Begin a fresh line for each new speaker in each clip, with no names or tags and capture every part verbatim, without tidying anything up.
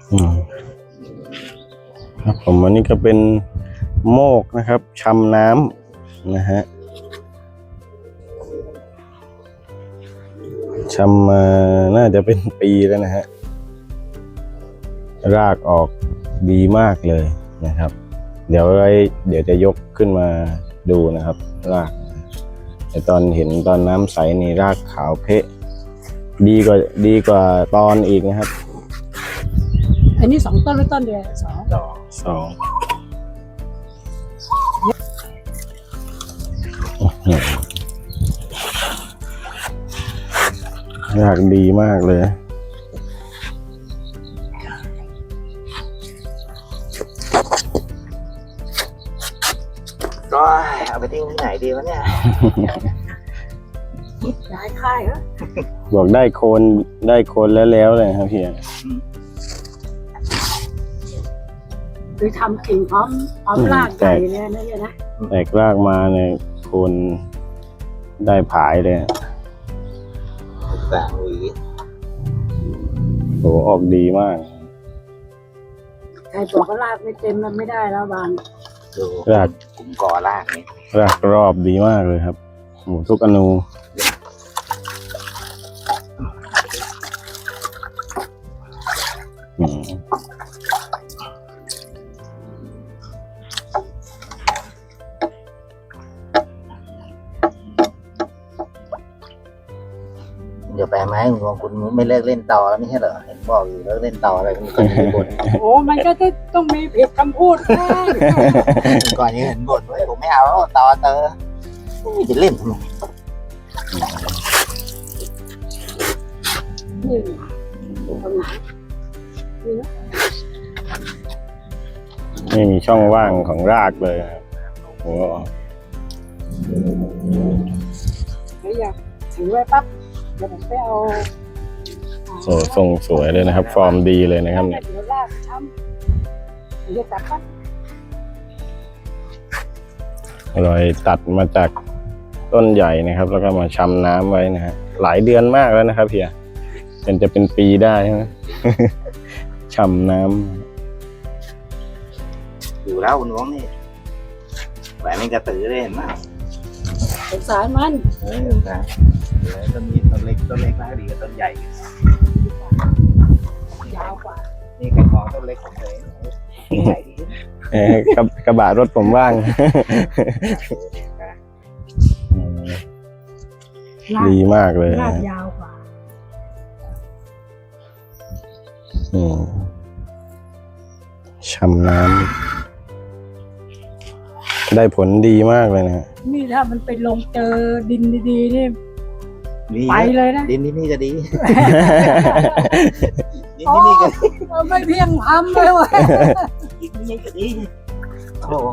อืมครับผมอันนี้ก็เป็นโมกนะครับชำน้ำนะฮะชำมาน่าจะเป็นปีแล้วนะฮะรากออกดีมากเลยนะครับเดี๋ยวไว้เดี๋ยวจะยกขึ้นมาดูนะครับรากแต่ตอนเห็นตอนน้ำใสนี่รากขาวเพะดีกว่าดีกว่าตอนอีกนะครับ
อันนี้สองต้นหรือต้นเดียวสอง
สองรากดีมากเลย
ก็เอาไปทิ้งที่ไหนดีวะเนี่ย
ย้ายค่ายเหรอ
บอกได้โคนได้โคนแล้วแล้วเลยครับพี่
คือทำกิ่งพร้อมพร้อมรากใหญ่เนี่ยนะเนี่ยนะ
แตกรากมาเนี่ยโคนได้ผายเลย
สามหวี
โหออกดีมาก
ใครบอกว่ารากไม่เต็มมันไม่ได้แล้วบาง
ดูรากกลุ่มกอรากนี่
รากรอบดีมากเลยครับหมูทุกอนูอืม
เดี๋ยวไปไหมคุณคุณไม่เลิกเล่นต่อแล้วไม่ใช่เหรอเห็นบอกอยู่เลิกเล่นต่ออะไรคุณก่อนยังบ่น
โอ้มันก็ต้องมีผิดคำพูดบ้าง
ก่อนยังเห็นบ่นว่าผมไม่เอาต่อเตอจะเล่นทำไม
นี่ตรงไหนนี่นะ
ไม่มีช่องว่างของรากเลยครับโอ้
ไม่อยากถือไว้ปั๊บเดี๋ยวผมไปเอา
โซ่ทรงสวยเลยนะครับฟอร์มดีเลยนะครับเนี่ย
เดี๋ยวลากช้ำเดี๋ยวจับปั๊บ
รอยตัดมาจากต้นใหญ่นะครับแล้วก็มาชำน้ำไว้นะฮะหลายเดือนมากแล้วนะครับเพียเป็นจะเป็นปีได้ใช่ไหมชำน้
ำอยู่แล้วคุณน้องนี่แหวนนี่กระตือได้เห็นไหม
สงสารมัน
เออนะต้นนี้ต้นเล็กต้นเล็กน่าดีกว่าต้นใหญ่
ยาวกว่า
นี่กระมองต้นเล็กของเลยใหญ่ดี
เออกระกระบะรถผมว่างดีมากเลย
รากยาวกว่า
อืมชำน้ำได้ผลดีมากเลยนะ
นี่ถ้ามันไปลงเจอดินดีๆนี่ไปเลยนะ
ดินนี่นี่ก็ดีดินนี่นี่ก็
ไม่เพียงทำเลยว่ะ
ดินนี่ก็ดีโอ้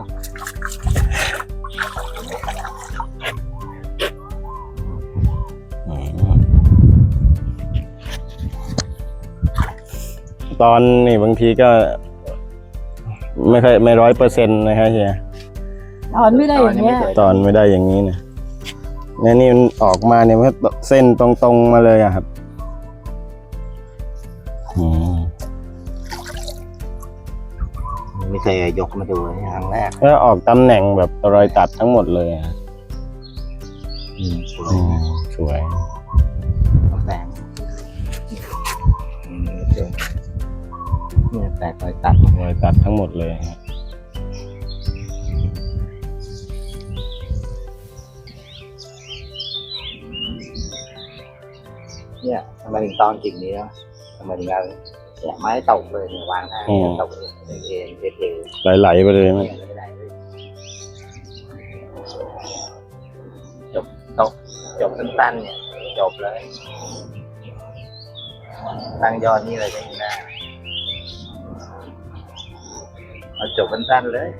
ตอนนี่บางทีก็ไม่ค่อยไม่ร้อยเปอร์เซ็นต์นะครับเฮีย
ตอนไม่ได้อย่างเงี้ย
ตอนไม่ได้อย่างนี้นะเนี่ยนี่มันออกมาเนี่ยมันเส้นตรงๆมาเลยอะครับ
ไม่เคยยกมาดูครั้งแรก
แล้วออกตำแหน่งแบบรอยตัดทั้งหมดเลยอะ
สวย
สวย
แต่งเนี่ยแตกรอยตัด
รอยตัดทั้งหมดเลยครับ
เนี่ยทำไมถึงตอนกิ่งนี้ทำไมถึงเอาเนี่ยไม้ตกเลยเนี่ยวางได้ตกเลยเอ็นเอ็นเท
ไหลๆไปเลยมั้ย
จบตกจบสั้นๆเนี่ยจบเลยตั้งยอดนี่เลยได้หน้าเอาจบสั้นๆเลย